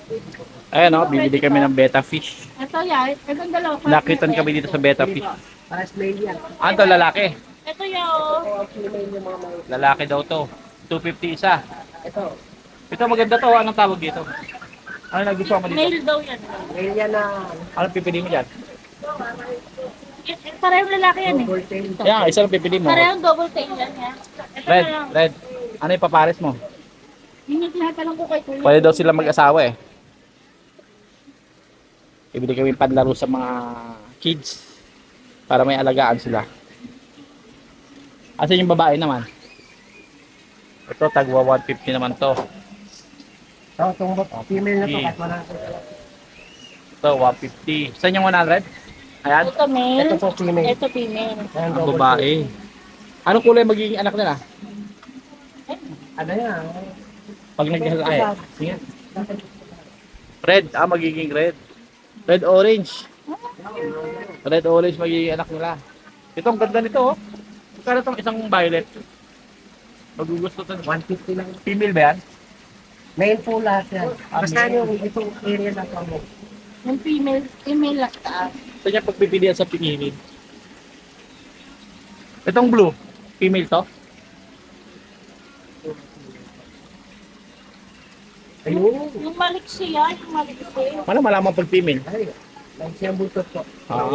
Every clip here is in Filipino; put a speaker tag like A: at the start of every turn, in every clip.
A: Ayan o, bibili kami ng betta fish.
B: Ito yan. Itong dalawa.
A: Nakitan kami dito sa betta fish.
C: Pares male yan.
A: Ah, ito lalaki.
B: Ito yan oh.
C: Female yung mga male.
A: Lalaki daw to. 250 isa.
C: Ito,
A: Ito maganda to. Anong tawag dito? Ano nagustuhan mo dito?
B: Male daw yan.
C: male yan na
A: Anong pipili mo dyan?
B: Parehong lalaki yan eh.
C: double tail.
A: Yan, isa lang pipili mo.
B: Parehong double tail yan yan. Ito
A: Red,
B: na lang.
A: red. Ano yung papares mo?
B: Yun yung tinatanong ko kay Kuya.
A: Pwede daw sila mag-asawa eh. Ibili kami panlaro sa mga kids para may alagaan sila. Asan yung babae naman? Ito, tagwa 150 naman to.
C: So, itong female na to,
A: Okay.
C: kahit wala.
A: Ito, 150. Saan yung 100? Ayan,
B: Ito male.
C: Ito po female.
B: Ito female.
C: Ayan,
A: ang
C: double
A: babae. Anong kulay magiging anak nila?
C: tail. Ano yan?
A: Pag nag-ay. Sige. Red, magiging red. Red orange. Red orange magiging anak nila. Ito, ang ganda nito oh. Magkano itong isang violet? Magugusto ito.
C: 150 lang.
A: Female ba yan?
C: Male po lahat yan.
A: Ah,
C: Basta
A: male.
C: yung itong area na to mo.
B: Yung female. Female lang taas.
A: Ito niya pagpipilian sa pinili. Itong blue, female to?
C: Ayun.
B: Yung maliksi yan. Yung maliksi.
A: Wala malaman pag female.
C: Ay, lang siyang butot po.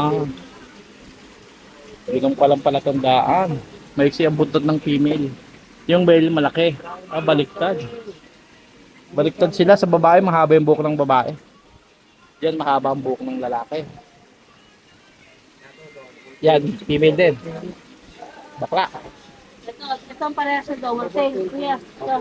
A: Hindi kang palang palatandaan. Maiksi ang buntot ng female. Yung male malaki. Baliktad. Baliktad sila sa babae, mahaba yung buhok ng babae. Yan, mahaba ang buhok ng lalaki. Yan, female din. Bakla.
B: Ito ang parehas sa double tail. Kuya. Ito.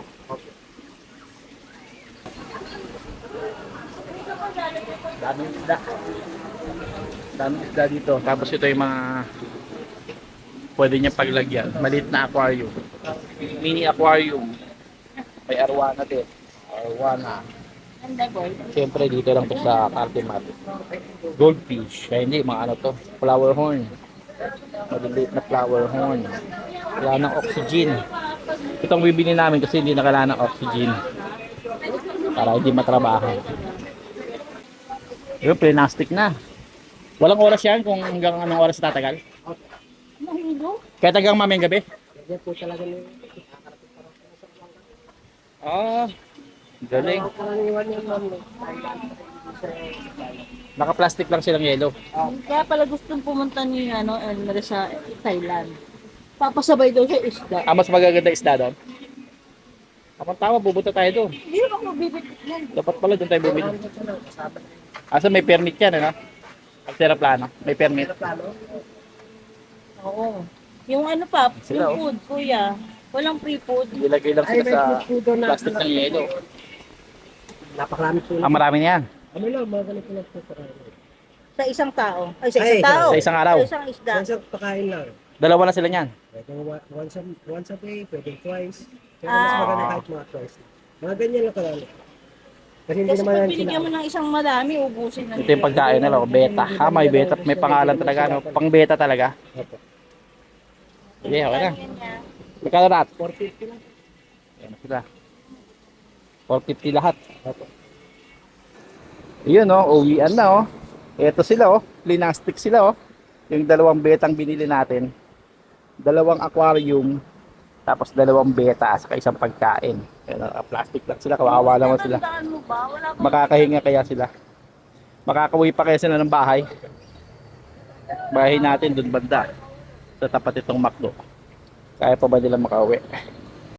A: Daming isda. Daming isda dito. Tapos ito yung mga pwede niya paglagyan. Maliit na aquarium. Mini aquarium. May arwana din. Arwana.
B: Ganda boy.
A: Siyempre dito lang to sa Cartimar. Goldfish. Kaya hindi, mga ano to. Flower horn. Maliliit na flower horn. Wala ng oxygen. Itong bibili namin kasi hindi nakala ng oxygen. Para hindi matrabaho. Yung plastic na. Walang oras yan kung hanggang anong oras tatagal.
B: Mahilo.
A: Kaya tagang mamayang gabi.
C: Yan po talaga yung
A: Galing.
C: karaniwan yan, ma'am.
A: Naka-plastic lang silang yellow.
B: Kaya pala gustong pumunta ni Elmer sa Thailand. Papasabay daw sa isda.
A: Mas magaganda isda doon. Kapag tama, bubuta tayo doon.
B: Hindi naman ako magbibigit yan.
A: Dapat pala doon tayo bumili. Asa may permit yan, ano? Aeroplano. May permit.
B: Oo. Yung ano pa,
A: Sila,
B: yung food, kuya. Walang free food.
A: Ilagay lang
C: Ay,
A: sila
C: may
A: sa
C: food doon na.
A: plastic ng yellow.
C: Napakarami po.
A: Marami na yan.
C: Ano lang, mga ganito lang po.
B: Sa isang tao. Ay, sa
C: Ay,
B: isang tao.
A: Sa isang araw.
B: Sa isang isda.
C: Isang pakain lang.
A: Dalawa na sila niyan.
C: Pwede once a day, pwede twice. Pero
B: Ah.
C: mas maganda kahit mga twice. Mga ganyan lang karami. Kasi hindi
B: Kasi
C: naman
B: pag
C: yan
B: binigyan mo
C: sila.
B: ng isang madami, ubusin na
A: Ito yung pagkain nila, beta. May beta. May pangalan talaga, no? Pang beta talaga.
C: Opo.
A: Sige, okay na.
B: Ganyan.
A: Magkano lahat?
C: 450 lang.
A: Ayan na sila. 450 lahat.
C: Opo.
A: Yun, oh. Uwian na, oh. Ito sila, oh. Plastic sila, oh. Yung dalawang betang binili natin. Dalawang aquarium. Tapos dalawang beta saka isang pagkain. Ayan, plastic lang sila. Kawawa naman sila.
B: Tatandaan mo ba? Wala bang
A: Makakahinga kaya sila. Makakauwi pa kaya sila ng bahay. Bahay natin dun banda. Sa tapat itong McDo. Kaya pa ba nila makauwi?